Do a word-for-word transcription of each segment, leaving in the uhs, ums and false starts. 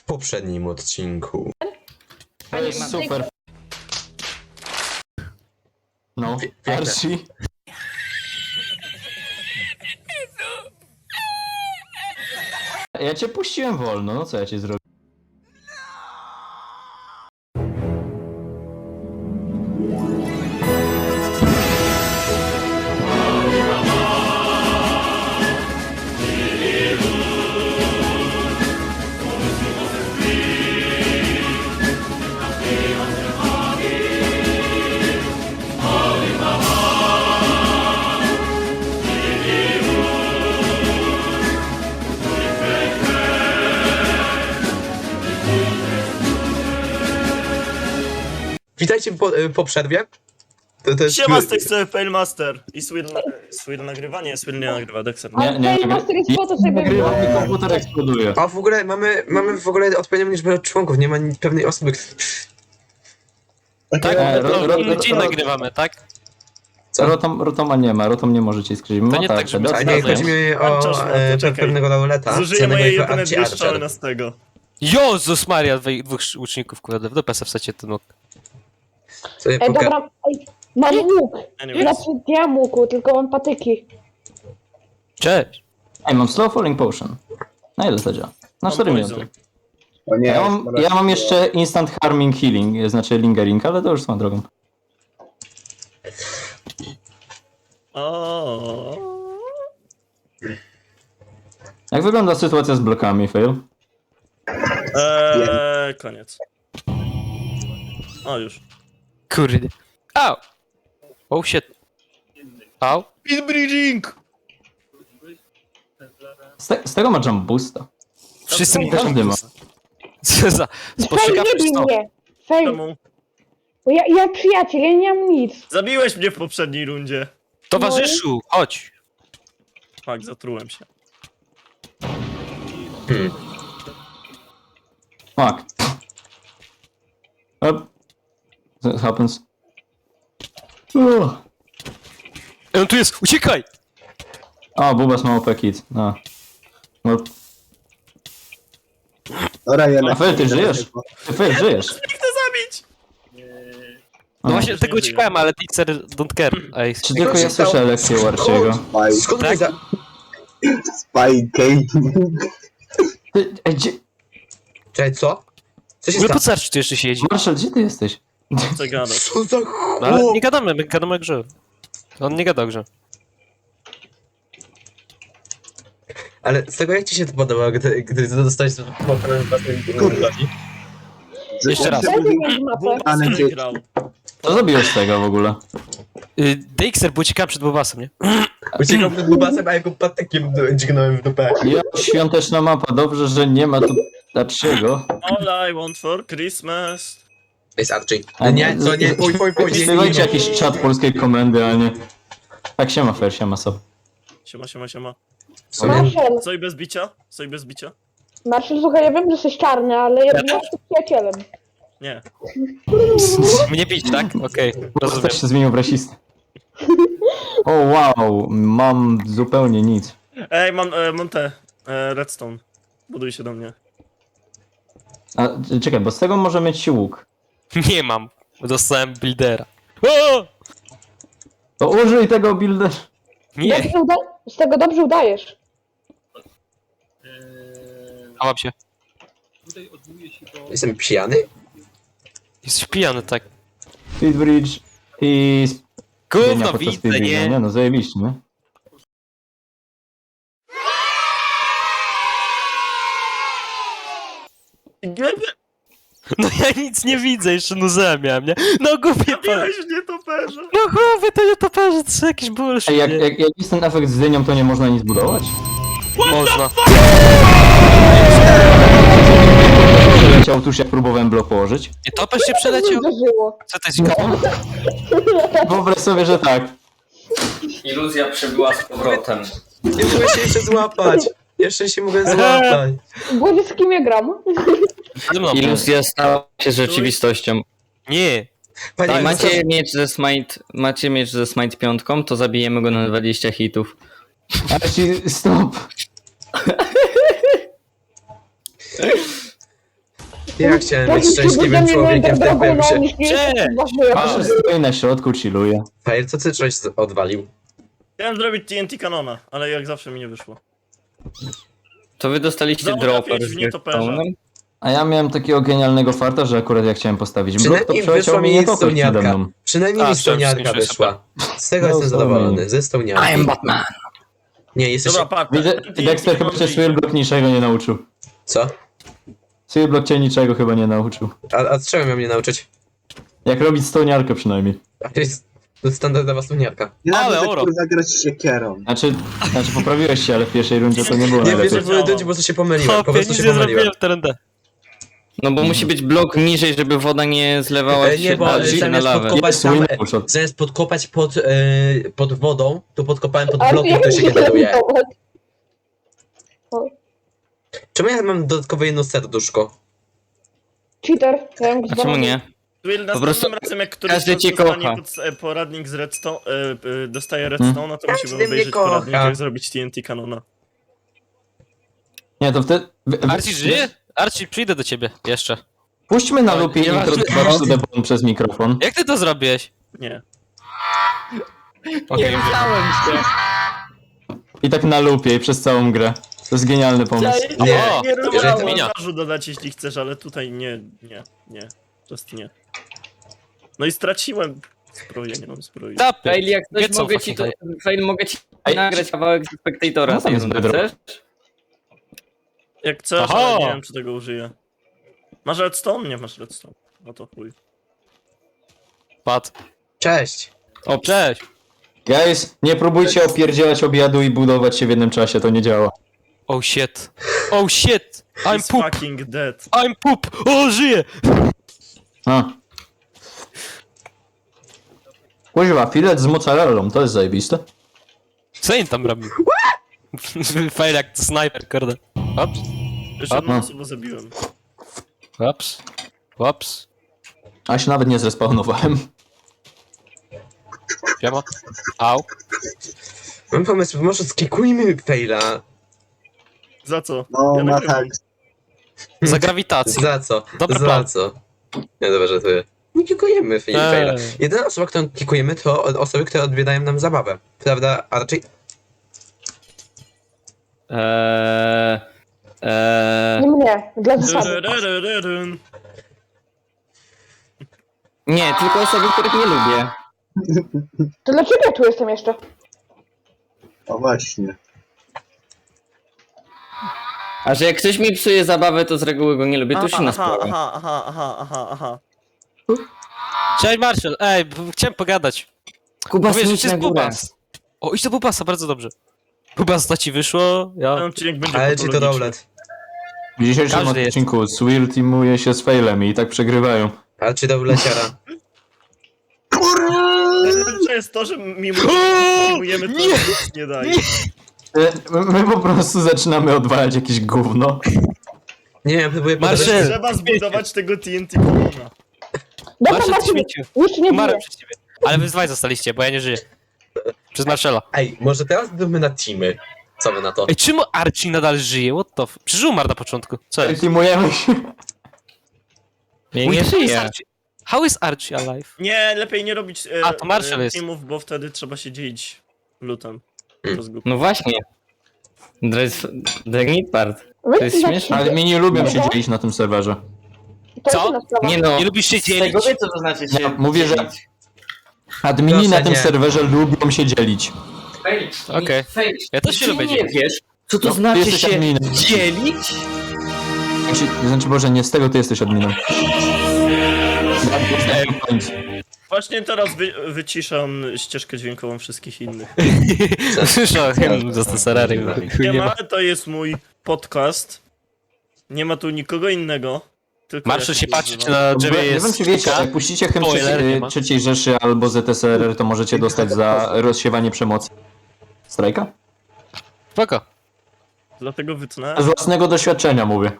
poprzednim odcinku. To jest super. No, Piękne. Archie. Ja cię puściłem wolno, no co ja cię zrobię? Witajcie po, po przerwie. To, to jest... Siema, z tej strony Failmaster i Swill, Swill nagrywa? Nie, Swill nie nagrywa, Dexter. Nie, nie, nie. Master jest po to, żeby Nagrywam było. i komputer eksploduje. A w ogóle mamy, mamy w ogóle odpowiednią liczbę członków, nie ma ni- pewnej osoby. Tak, E, ro- ro- no, dzień ro- nagrywamy, tak? Co? Rotom, Rotoma nie ma, Rotom nie może ci skrzyć. To nie tak, żeby- A nie, chodzi mi o Czas, e, czekaj. pewnego lauleta. Zużyję znanego moje jako jedyne Archie dwie Archer. strzały na z tego. Jezus Maria, dwej- dwóch łuczników, kurde, w dupę se wsadzie ten łuk. Sobie Ej, poka- dobra, ej, mam łuk. Anyways. Znaczy, nie mam łuku, tylko mam patyki. Cześć! Ej, mam slow falling potion. Na ile to działa? Na Mam cztery poison. minuty. O nie, Ja mam, ja mam jeszcze instant harming healing, znaczy lingering, ale to już swoją drogą. O. Jak wygląda sytuacja z blokami, Fail? Eee, koniec. O, już. Kurde. Au! Oh shit. Au? Speedbridging! Z, te, z tego ma jump boosta. Wszyscy mi Każdy ma. Co za... Fail, Spostrzegawczy nie bij stop. mnie. Fail, Czemu? bo ja, ja przyjaciel, ja nie mam nic. Zabiłeś mnie w poprzedniej rundzie. Towarzyszu, chodź! Tak, zatrułem się. Fuck. Up. That happens. Uff. Ej, on tu jest, uciekaj! O, Bubas ma O P kit. No. No, Dobra, ja a Fail, ty żyjesz? Ty Fail, żyjesz? Nie chcę zabić! No A, właśnie, już tego nie uciekałem, ale Dixer don't care. Ej, Czy tylko ja słyszę lekcję u Archiego? Spy, Skąd Tak? wy za... spy gaming. Ty, ej, gdzie... Czekaj, co? Co się no stało? po co Archie tu jeszcze siedzi? Marshall, gdzie ty jesteś? Co gadasz? Co za No ale chłop? nie gadamy, my gadamy o grze. On nie gada o grze. Ale z tego jak ci się to podoba, gdy, gdy dostałeś mapę własnej broni? Jeszcze raz. Dajcie mi mapę. Bubas Ale nie ty- grał. Co zrobiłeś z tego w ogóle? Y, Dixer, bo uciekałem przed Bobasem, nie? Uciekał przed bubasem, a jako patykiem dźgnąłem w dupę. Ja, świąteczna mapa, dobrze, że nie ma tu Archiego. All I want for Christmas. To jest Archie. A Nie, co nie, pój, pój, pój, nie, nie, Wpisywajcie nie. jakiś czat polskiej komendy, a nie... Tak, siema Fair, siema so. Siema, siema, siema. W sumie... Marshall, Co i bez bicia? Co i bez bicia? Marshall, słuchaj, ja wiem, że jesteś czarny, ale ja, ja też? jestem przyjacielem. Nie. Mnie bić, tak? Okej, rozumiem. Też się zmienił w rasistę. O wow, mam zupełnie nic. Ej, mam, e, mam te. E, redstone. Buduj się do mnie. A, czekaj, bo z tego może mieć się łuk. Nie mam. Dostałem buildera. O! To użyj tego builder. Nie, Dobrze uda- z tego dobrze udajesz. chałam się. Jestem pijany? Jesteś pijany, tak. Speedbridge i... Gówno Nie, podczas widzę, speedbridge'a, nie? Nie no, zajebiście, nie? No ja nic nie widzę, jeszcze nuzę miałem, nie? No głupie to. Zabiłeś mnie toperze. No głowy, to nie toperze, to są jakieś bullshit. Ej, jak, nie? jak, jak jest ten efekt z dynią, to nie można nic budować? Można. Przeleciał tuż jak próbowałem blok położyć. Nie, topesz się przeleciał? Uderzyło. Co to jest? No. Wyobraź sobie, że tak. Iluzja przybyła z powrotem. Nie mogę się jeszcze złapać. Jeszcze się mogę złapać. Boże, z kim ja gram? Ze mną. Iluzja stała się rzeczywistością. Nie. Panie, Jak macie... macie miecz ze smite, macie miecz ze smite piątką, to zabijemy go na dwadzieścia hitów. Ale ci stop. Ja chciałem być Jakim szczęśliwym cudem człowiekiem w tym drogą na pępsie. nich nie Cześć! jest ważne, Marshall stoi na środku, chilluje. Fail, co ty coś odwalił? Chciałem zrobić T N T kanona, ale jak zawsze mi nie wyszło. To wy dostaliście Znowu dropper trafiłeś z w nietoperza. redstone'em? A ja miałem takiego genialnego farta, że akurat ja chciałem postawić blok, to Przynajmniej wyszła przeleciał mi mi nie to przede stoniarka. mną. Przynajmniej A, mi stoniarka skończyłem się, wyszła. Z tego No, jestem sorry. zadowolony, ze stoniarki. Batman. Nie, jesteś... Dobra, patrz. Widzę, ten T N T Dexter chyba kanon cię idzie. Swirlblock niczego nie nauczył. Co? Swirlblock cię niczego chyba nie nauczył. A, a czego miał mnie nauczyć? Jak robić stoniarkę przynajmniej. A to jest to jest standardowa stoniarka. Nienawidzę, Ale oro. kurwa, grać siekierą. Znaczy, znaczy poprawiłeś się, ale w pierwszej rundzie to nie było Nie, wiesz, najlepiej. że były ludzi, po prostu się pomyliłem, po Chłopie, prostu nic się nie pomyliłem. zrobiłem w terendę. No bo musi być blok niżej, żeby woda nie zlewała E, się nie, bo dalej zamiast na lawę. podkopać Jest tam, win e, shot. zamiast podkopać pod, e, pod wodą, to podkopałem pod Ale blokiem, jak który się się generuje. zorientować? Czemu ja mam dodatkowe jedno serduszko? Cheater. Ja wiem, A czemu nie? Will, następnym prostu razem jak któryś każdy z nas cię dostanie kocha. pod, e, poradnik z redstone, e, e, dostaje redstone, no to Każdy musimy mnie obejrzeć kocha. poradnik, jak zrobić T N T kanona. Nie, to wtedy... wy- wy- Archie żyje? Archie, przyjdę do ciebie jeszcze. Puśćmy na O, lupie nie ma- intro to the Bone przez mikrofon. Jak ty to zrobiłeś? Nie. Okej, okay, I tak na lupie i przez całą grę. To jest genialny pomysł. Nie, Nie, nie, nie jeżeli rozumiem, to minia. montażu dodać jeśli chcesz, ale tutaj nie, nie, nie. Just nie. No i straciłem zbroję, nie mam zbroi. Tapy. Fail, jak Nie coś co, mogę ci to... fucking Fail, mogę ci Ej, nagrać kawałek z Spectatora No z tam tej jest rundy, bedrock. chcesz? Jak chcesz, Aha. ale nie wiem czy tego użyję. Masz redstone? Nie masz redstone. No to chuj. Pad. Cześć! O, cześć. Guys, nie próbujcie opierdzielać obiadu i budować się w jednym czasie, to nie działa. Oh shit. Oh shit. I'm He's poop. fucking dead. I'm poop. O, żyję. A. Kuźwa, filet z mozzarellą, to jest zajebiste. Co im tam robił? Fail jak to snajper, kurde. Ops. Jeszcze jedną Aha. osobę zabiłem. Ops. Ops. A się nawet nie zrespawnowałem. Siema. Au. Mam pomysł, może skikujmy faila. Za co? No, Ja ma nagrywam. tak. Za grawitację. Za co? Dobry Za plan. co? Nie, dobra, że to nie kikujemy Eee. faila. Jedyna osoba, którą kikujemy, to osoby, które odbierają nam zabawę. Prawda, Archie? Eee... Eee... Nie mnie, dla zasady. Ryryryryryn. Nie, tylko osoby, których nie lubię. To dlaczego ja tu jestem jeszcze? O właśnie. A że jak ktoś mi psuje zabawę, to z reguły go nie lubię, to już inna Aha, sprawa. aha, aha, aha, aha, aha. Cześć Marshall. Ej, b- chciałem pogadać. Kuba, Mówię, że idź to jest na górę. Bubas. O, idź do Bubasa, bardzo dobrze. Bubas, to ci wyszło? Ten Ja. odcinek będzie Ale ci to patologiczny. roulette. W dzisiejszym Każdy jest. odcinku Swirl teamuje się z failem i tak przegrywają. Archie do leciara. Najlepsze jest to, że mimo że przyjmujemy to, Nie! nic nie daje. E, My po prostu zaczynamy odwalać jakieś gówno. Nie wiem, próbuję Marszal! podać- Trzeba zbudować tego T N T kanona. Dobra, Marshall, Marcin, śmieciu. już nie Umarłem biję. przez ciebie. Ale wy dwaj zostaliście, bo ja nie żyję. Przez Marshalla. Ej, może teraz zróbmy na teamy. Co wy na to? Ej, czemu Archie nadal żyje? What the f... Przecież umarł na początku. Co jest? Teamujemy się. Nie, Wait, nie how is żyję. Archie- How is Archie alive? Nie, lepiej nie robić e, A, to Marshall e, jest. teamów, bo wtedy trzeba się dzielić lutem. Hmm. To jest głupie. No właśnie. To jest the neat part. Wy To jest na- śmieszne. Ale mi nie lubią się Dobra. dzielić na tym serwerze. To Co? jest inna sprawa. Nie no. Nie lubisz się z tego dzielić? wie, co to znaczy się Ja mówię, że- dzielić. Admini Proszę, na tym nie. serwerze lubią się dzielić. Fail, Okej. fail. Ja też się Ty lubię nie dzielić. wiesz, co to No, ty znaczy jesteś się adminem. dzielić? Znaczy, znaczy Boże, nie z tego ty jesteś adminem. Właśnie teraz wy, wyciszam ścieżkę dźwiękową wszystkich innych. Słyszałem, że to Serary. Nie ma, to jest mój podcast. Nie ma tu nikogo innego. Tylko Marshall ja się tu patrzy, czy używam. na Nie drzewie wiem, jest czy wiecie, sztuka. jak puścicie hymn Spoiler, nie trzeciej, ma. trzeciej Rzeszy albo Z S R R, to możecie dostać za rozsiewanie przemocy. Strajka? Spoko. Dlatego wytnę. Z własnego doświadczenia mówię.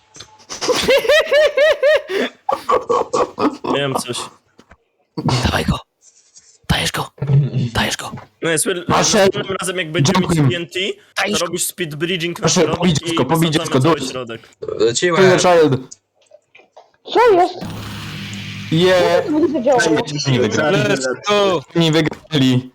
Miałem coś. Dawaj go. Dajesz go. Dajesz go. No jest, Marshall, następnym razem jak będziemy mieć jump T N T, to robisz speed bridging na Marshall, środek pobij i dziecko, pobij wysadzamy dziecko, cały dusz. środek. Kill the Leciłem. child. Co jest? Je! Co to zadziałało? Nie wygrali. Let's go! Nie wygrali.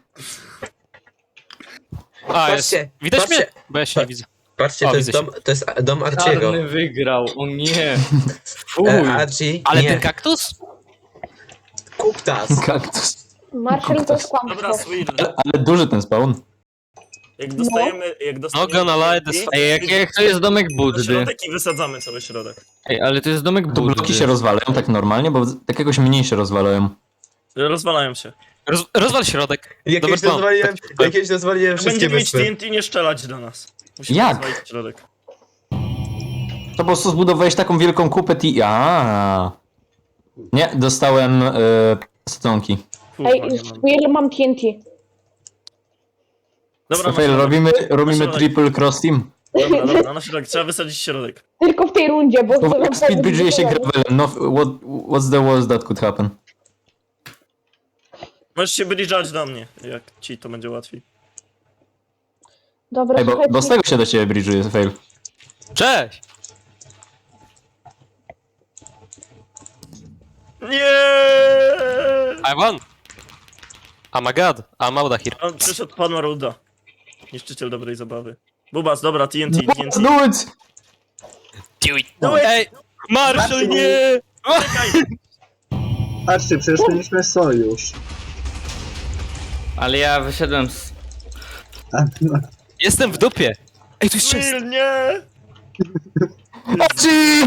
A, jest. Patrzcie, Widać mnie? patrzcie. Bo ja się nie widzę. Patrzcie, O, to jest widzę dom, to jest dom Archiego. Czarny wygrał, o nie. Fuj. E, Archie, Ale nie, ten kaktus? Kuptas. Kaktus. Marshall to jest Dobra, kłamstwo. Swill. Ale, ale duży ten spawn. Jak dostajemy... Jak No, dostajemy gonna lie, T N T, this- Ej, jak, jak to jest domek na Buddy? środek i wysadzamy cały środek. Ej, ale to jest domek To bloki Buddy. się rozwalają tak normalnie, bo tak jakoś mniej się rozwalają. Rozwalają się. Roz, rozwal środek. Jakieś Dobry plan. rozwaliłem, jakieś rozwaliłem Jak wszystkie będziemy mieć wyspy. T N T, nie strzelać do nas. Musimy Jak? rozwalić środek. To po prostu zbudowałeś taką wielką kupę ti... A. Nie, dostałem e, stonki. Kurwa, Ej, nie mam. Swill, mam T N T. Dobra, na Rafael, środek. robimy, robimy środek. triple cross team. Dobra, dobra, na środek. Trzeba wysadzić środek. Tylko w tej rundzie, bo... Bo to jak speedbridge'uje się gravelem, no what, what's the worst that could happen? Możesz się bridge'ać do mnie, jak ci to będzie łatwiej. Dobra, Ej, bo, słuchajcie. bo z tego się do ciebie bridge'uje, fail. Cześć! Nie! I won! Oh my god, I'm out of here. On przyszedł pan Maruda. Niszczyciel dobrej zabawy. Bubas, dobra, T N T, T N T. Do it! Do it! Do it! Ej! Marshall, nie! Czekaj! Patrzcie, przecież mieliśmy sojusz. Ale ja wyszedłem z... A, no, Jestem w dupie! Ej, tu jest chest! Will, nie! Archie!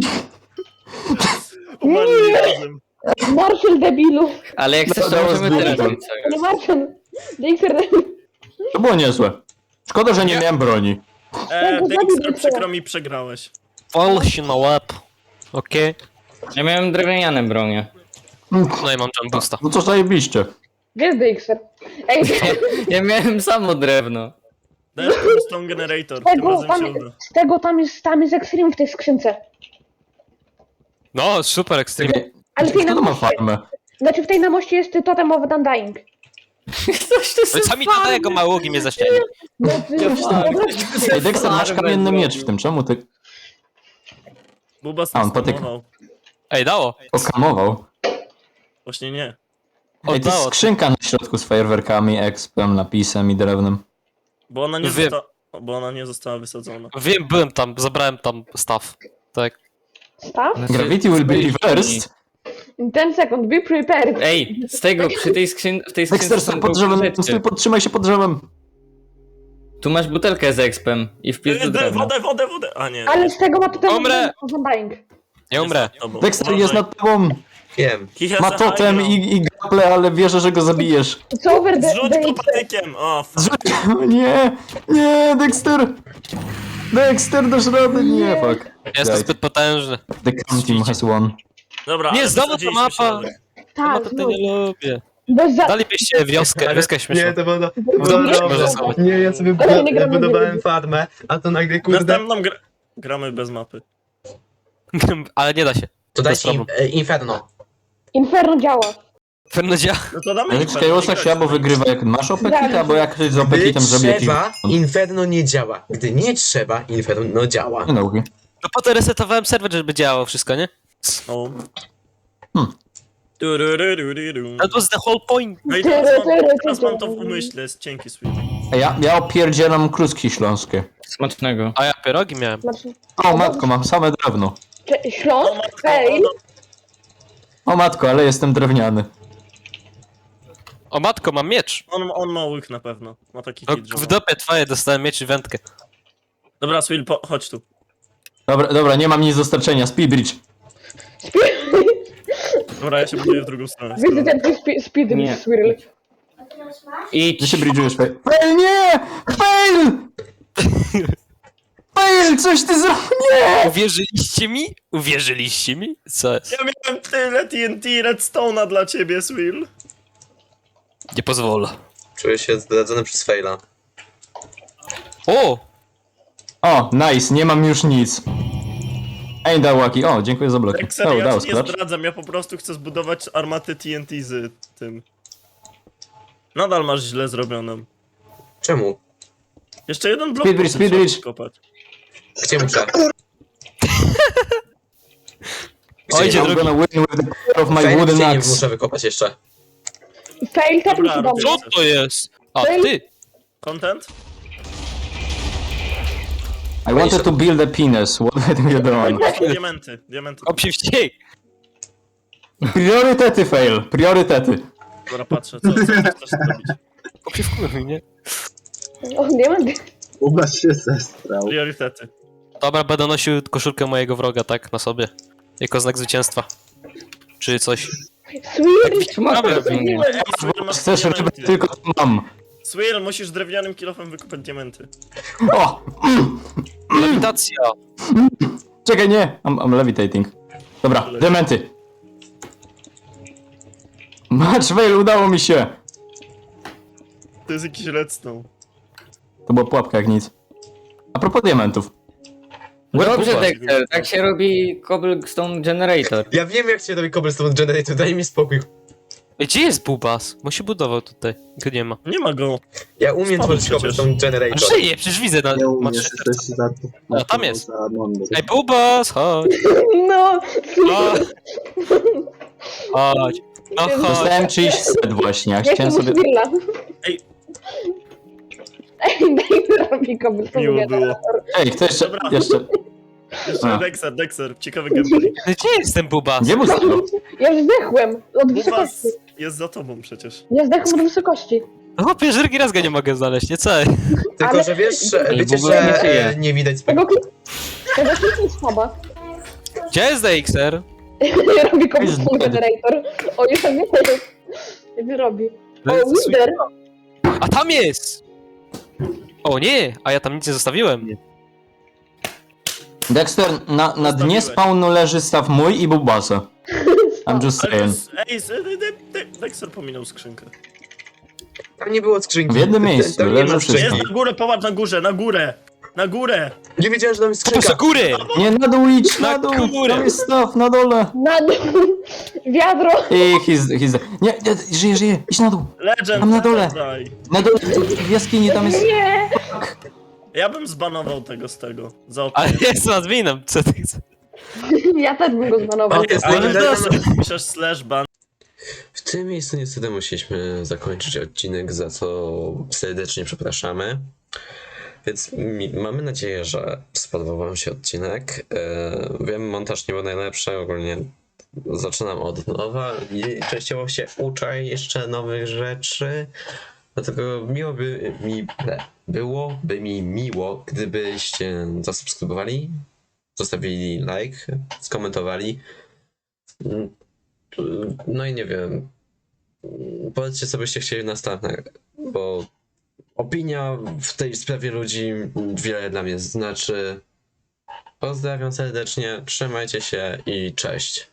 Umarli razem. Marshall, debilu. Ale jak chcesz, No, to that was możemy teraz beautiful. zrobić sojusz. Ale Marshall. Dexter, debil. To było niezłe. Szkoda, że nie miałem broni. E, Tego Dexter, zabił przykro mi, przegrałeś. Fall się na łeb. Okej. Ja miałem drewniane bronie. No i mam jump boosta. No co zajebiście. Gdzie jest Dexter? Ej, Ja miałem samo drewno. Dajesz Stone Generator, tym tego, razem tam, się uda. z tego tam jest, tam jest Extreme w tej skrzynce. No, super extreme. Czekaj, Ale w tej kto na to ma moście, farmę? znaczy w tej na moście jest totem of Undying. Coś to No i sami dodaję go małogi mnie zaścieli. No, ty, Ej, Dexter, masz kamienny miecz w tym, czemu ty Bubas A, on nas potyka. spamował. Ej, dało. okamował? Właśnie nie. Ej, to jest Oddało. skrzynka na środku z fajerwerkami, expem, napisem i drewnem. Bo ona nie, Wiem. zosta... bo ona nie została wysadzona. Wiem, byłem tam, zabrałem tam stuff. Tak. Staw? Znaczy, Gravity will be reversed. In ten second, be prepared. Ej, z tego, przy tej skrzyn... w tej skrzynce Dexter, są stój pod drzewem, rzeczy. stój, podtrzymaj się pod drzewem. Tu masz butelkę z expem i wpis do E, drewna. Wodę, wodę, wodę! A nie. Ale z tego ma totem Umrę. of Undying. Nie umrę. Tobą. Dexter jest Uważaj. nad tobą. Wiem. He has Ma a totem high i, i gaple, ale wierzę, że go zabijesz. It's over the... ground. Zrzuć go the patykiem! O, fuck. Zrzuć- Nie, nie, Dexter. Dexter, dasz radę? Nie, fuck. Jestem Daj. zbyt potężny. The Cam Team has won. Dobra, Nie, ale znowu ta wysadziliśmy mapa. środek. Ja tak, to znów. nie lubię. Bez za... Dalibyście wioskę, wioskę Nie, śmieszną. to było, to było Dobra, dobre. można Nie, ja sobie Ale nie gramy w budowałem gry. farmę, a to nagle kurde... Następną gra... gramy bez mapy. Ale nie da się. To bez dajcie im, e, Inferno. Inferno działa. Pewno działa. No to damy Ale im Chaosa pewnie się albo grać. wygrywa jak masz opekit, albo jak ktoś z Gdy opekitem zrobi jakiś... trzeba, Inferno nie działa. Gdy nie trzeba, Inferno działa. Nie nauki. No potem resetowałem serwer, żeby działało wszystko, nie? O. Hmm. Tururururu. That was the whole point. No i teraz mam, teraz mam to w umyśle, jest cienki sweet. A ja, ja opierdzielam kluski śląskie. Smacznego. A ja pierogi miałem. Znaczy, O matko, mam same drewno. cze- Śląsk? O matko, Fail? on, O matko, ale jestem drewniany. O matko, mam miecz. on, on ma łyk na pewno. Ma taki No, hit, że w ma. dopie twoje dostałem miecz i wędkę. Dobra, Swill, po, chodź tu. Dobra, dobra, nie mam nic do starczenia. Speedbridge. Dobra, ja się buduję w drugą stronę. Widzę ten twój spi- speed Nie. swirl. I Gdzie się bridge'ujesz? Fail? Fail, nie! Fail! Fail, coś ty zrobił? Nie! Uwierzyliście mi? Uwierzyliście mi? Co jest? Ja miałem tyle T N T Redstone'a dla ciebie, Swill. Nie pozwolę. Czuję się zdradzony przez faila. O! O, nice, nie mam już nic. Ain't that wacky. O, dziękuję za bloki. Tak serio, Oh, ja that was ci nie clutch. zdradzam, ja po prostu chcę zbudować armatę T N T z tym. Nadal masz źle zrobioną. Czemu? Jeszcze jeden blok Speedbridge, potem trzeba speedbridge. podkopać. Gdzie muszę? O, idzie I'm drugi. gonna win with the power of my Fajnie, wooden nie axe. muszę wykopać jeszcze. Fail, tepnij Dobra, się do robię. mnie. Co to jest? A, ty! Content? I wanted to build a penis. What have you done? Diamenty, diamenty. Kop się wściek! Priorytety, fail. Priorytety. Dobra, patrzę, co, co chcesz zrobić? Kop się wkurwi, nie? O, diamenty. Ubaś się zestrał. Priorytety. Dobra, będę nosił koszulkę mojego wroga, tak, na sobie. Jako znak zwycięstwa. Czy coś. Sweet. Czy masz Dobra, craftingu? Ej, Swirl, masz Chcesz, żeby diamenty. tylko to mam. Swirl, musisz drewnianym kilofem wykopać diamenty. O! Lewitacja! Czekaj, nie. I'm, I'm levitating. Dobra, diamenty. Match fail, udało mi się. To jest jakiś redstone. To była pułapka jak nic. A propos diamentów. Dobrze, Kuba. Dexter, tak się robi cobblestone generator. Ja wiem jak się robi cobblestone generator, daj mi spokój. Ej, gdzie jest Bubas? Bo się budował tutaj. Go nie ma. Nie ma go. Ja umiem Spadł tworzyć przecież. cobblestone A generator. żyje, przecież widzę na... Nie Ma umiesz, trzy jesteś za to. O, tam jest. Za mądry. Ej, Bubas, chodź! No, Chodź! Chodź! No chodź! Dostałem czyjś set właśnie, ja jak to chciałem sobie... Swirla. Ej. Ej, daj robi cobblestone Miło było. generator. Ej, kto jeszcze... Dobra. jeszcze... Jeszcze A. Dexter, Dexter, ciekawy gameplay. No gdzie jest ten Bubas? Gdzie był set? Ja już zdechłem od Bubas wysokości. jest za tobą przecież. Ja zdechłem od wysokości. No pierwszy drugi raz go nie mogę znaleźć, nie co? Tylko, Ale- że wiesz, że- Ej, wiecie, w ogóle nie że żyje. e, nie widać Tego spokój. klik... Tego kliknij słaba. Gdzie jest Dexter? Robi cobblestone generator. O, już tam jest. Jak robi. O, Wither. A tam jest! O nie, a ja tam nic nie zostawiłem. Dexter, na, na dnie Zostawiłeś. spawnu leży staw mój i Bubasa. I'm just Ale to saying. jest... Ej, z- de- de- de- Dexter pominął skrzynkę. Tam nie było skrzynki. W jednym Tam- miejscu, tam nie leży ma wszystko. skrzynki. Jest na górę, popatrz na górze, na górę! Na górę! Nie wiedziałem, że tam jest Kupuj skrzynka. góry! Nie, na dół idź, na Na dół! górę. Tam jest staw, na dole! Na dół. Wiadro. I he's, he's... Nie, nie, żyje, żyje, idź na dół! Legend, Tam na dole. daj. Na dole, w jaskini tam jest... Nie. Ja bym zbanował tego z tego. Za Ale opinię. jest adminem, co ty chcesz? Ja też bym go zbanował. A, to jest Ale legendarny- piszesz slash ban. W tym miejscu niestety musieliśmy zakończyć odcinek, za co serdecznie przepraszamy. Więc mi, mamy nadzieję, że spodobał wam się odcinek. E, wiem, montaż nie był najlepszy, ogólnie zaczynam od nowa i częściowo się uczę jeszcze nowych rzeczy. Dlatego miło by mi, ne, byłoby mi miło, gdybyście zasubskrybowali, zostawili like, skomentowali. No i nie wiem, powiedzcie co byście chcieli następne, bo opinia w tej sprawie ludzi wiele dla mnie znaczy. Pozdrawiam serdecznie, trzymajcie się i cześć.